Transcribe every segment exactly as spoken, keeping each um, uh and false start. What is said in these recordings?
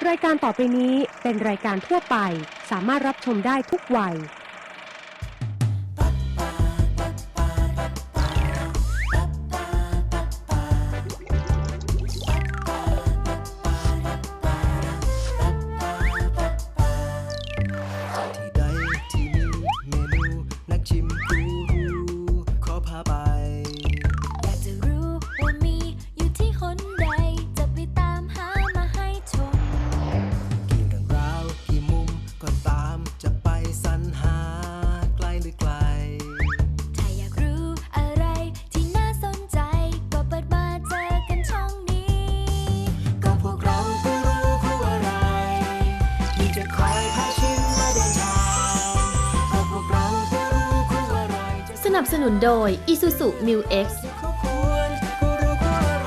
รายการต่อไปนี้เป็นรายการทั่วไปสามารถรับชมได้ทุกวัยที่ใดที่มีเมนูนักชิมกูรูขอพาไปอยากจะรู้ว่ามีอยู่ที่หนใดจะไปตามหามาให้ชมกี่เรื่องราวกี่มุมก็ตามจะไปสรรหาไกลหรือไกลถ้าอยากรู้อะไรที่น่าสนใจก็เปิดมาเจอกันช่องนี้ก็พวกเรากูรูคู่อะไรที่จะคอยพาชิมและเดินทางก็พวกเรากูรูคู่อะไรสนับสนุนโดย Isuzu Mu X เขาควรกูรูคู่อะไร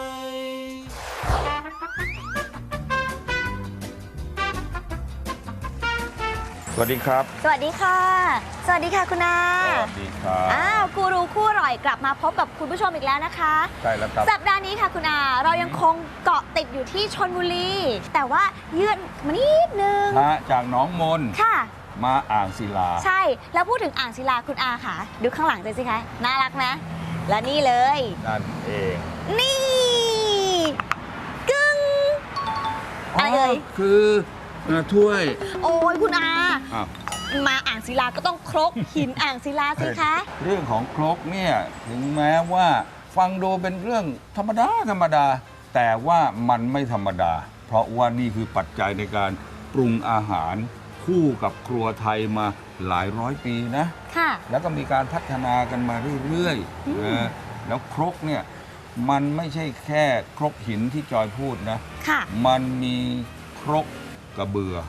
สวัสดีครับสวัสดีค่ะ สวัสดีค่ะคุณอาสวัสดีครับอ้าวกูรูคู่อร่อยกลับมาพบกับคุณผู้ชมอีกแล้วนะคะใช่แล้วครับสัปดาห์นี้ค่ะคุณอาเรายังคงเกาะติดอยู่ที่ชลบุรี แต่ว่าเยือนมานิดนึงมาจากหนองมนค่ะมาอ่างศิลาใช่ แล้วพูดถึงอ่างศิลาคุณอาค่ะ ดูข้างหลังเลยสิคะ น่ารักนะ และนี่เลยนั่นเองนี่ กึ้งอะไรเอ่ยคือเอ่อถ้วยโอ้ยคุณอาอ้าวมาอ่างศิลาก็ต้องครกหินอ่างศิลาสิคะเรื่องของครกเนี่ยถึงแม้ว่าฟังดูเป็นเรื่องธรรมดาธรรมดา แต่ว่ามันไม่ธรรมดา เพราะว่านี่คือปัจจัยในการปรุงอาหารคู่กับครัวไทยมาหลายร้อยปีนะค่ะแล้วก็มีการพัฒนากันมาเรื่อยๆนะแล้วครกเนี่ยมันไม่ใช่แค่ครกหินที่จอยพูดนะค่ะมันมีครกกระเบือ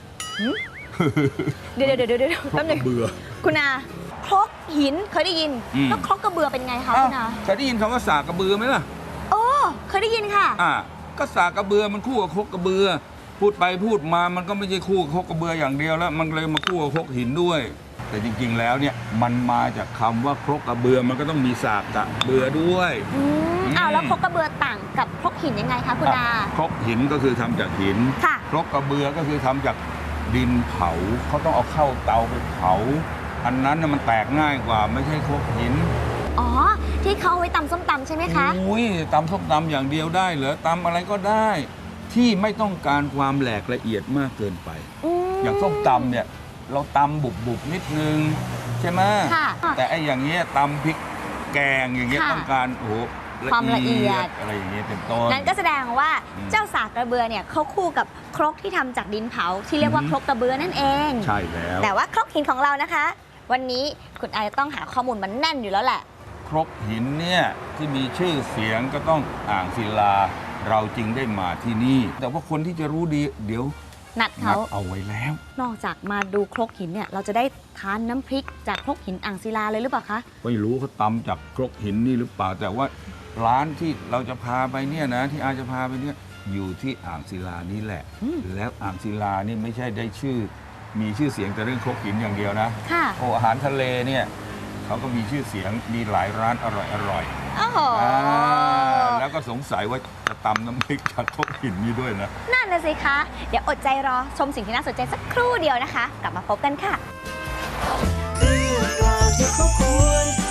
เดี๋ยวเดี๋ยวเดี๋ยวเดี๋ยวครแป๊กบกหนึงระเบือคุณอาครกหินเคยได้ยินอืมแล้วครกกระเบือเป็นไงคะอ้าวคุณอาเคยได้ยินคำว่าสากกระเบือไหมล่ะโอ้เคยได้ยินค่ะอ่าก็สากกระเบือมันคู่กับครกกระเบือ พูดไปพูดมามันก็ไม่ใช่คู่กับครกกระเบืออย่างเดียวแล้ว มันเลยมาคู่กับครกหินด้วย แต่จริงๆแล้วเนี่ยมันมาจากคำว่าครกกระเบือมันก็ต้องมีสากกระเบือด้วยอืมอ้าวแล้วครกกระเบือต่างกับครกหินยังไงคะคุณอาครกหินก็คือทำจากหินค่ะครกกระเบือก็คือทำจากดินเผาเขาต้องเอาเข้าเตาไปเผา อันนั้นน่ะมันแตกง่ายกว่าไม่ใช่ครกหินอ๋อที่เขาเอาไว้ตำส้มตำใช่ไหมคะอุ้ยตำส้มตำอย่างเดียวได้เหรอตำอะไรก็ได้ ที่ไม่ต้องการความแหลกละเอียดมากเกินไปมอย่างส้มตำเนี่ยเราตำบุบบุบๆนิดนึงใช่ไหมค่ะแต่ไอ้อย่างเงี้ยตำพริกแกงอย่างเงี้ยค่ะต้องการโอ้โหความละเอียดอะไรอย่างเงี้ยเป็นต้นนั่นก็แสดงว่าอืมเจ้าสากกระเบือเนี่ยเขาคู่กับครกที่ทำจากดินเผาที่เรียกว่าอืมครกกระเบือนั่นเองใช่แล้วแต่ว่าครกหินของเรานะคะ วันนี้คุณอาจะต้องหาข้อมูลมันแน่นอยู่แล้วแหละครกหินเนี่ยที่มีชื่อเสียงก็ต้องอ่างศิลา เราจึงได้มาที่นี่ แต่ว่าคนที่จะรู้ดีเดี๋ยวนัดนัเขาดเอาไว้แล้วนอกจากมาดูครกหินเนี่ยเราจะได้ทานน้ำพริกจากครกหินอ่างศิลาเลยหรือเปล่าคะไม่รู้เขาตำจากครกหินนี่หรือเปล่า แต่ว่าร้านที่เราจะพาไปเนี่ยนะที่อาจะพาไปเนี่ยอยู่ที่อ่างศิลานี่แหละอืมแล้วอ่างศิลานี่ไม่ใช่ได้ชื่อ มีชื่อเสียงแต่เรื่องครกหินอย่างเดียวนะค่ะโอ้อาหารทะเลเนี่ยเขาก็มีชื่อเสียงมีหลายร้านอร่อยอร่อยโอ้โหแล้วก็สงสัยว่าจะตำน้ำพริกจากครกหินนี่ด้วยนะนั่นน่ะสิคะ เดี๋ยวอดใจรอชมสิ่งที่น่าสนใจสักครู่เดียวนะคะ กลับมาพบกันค่ะเรื่องราวที่เขาควร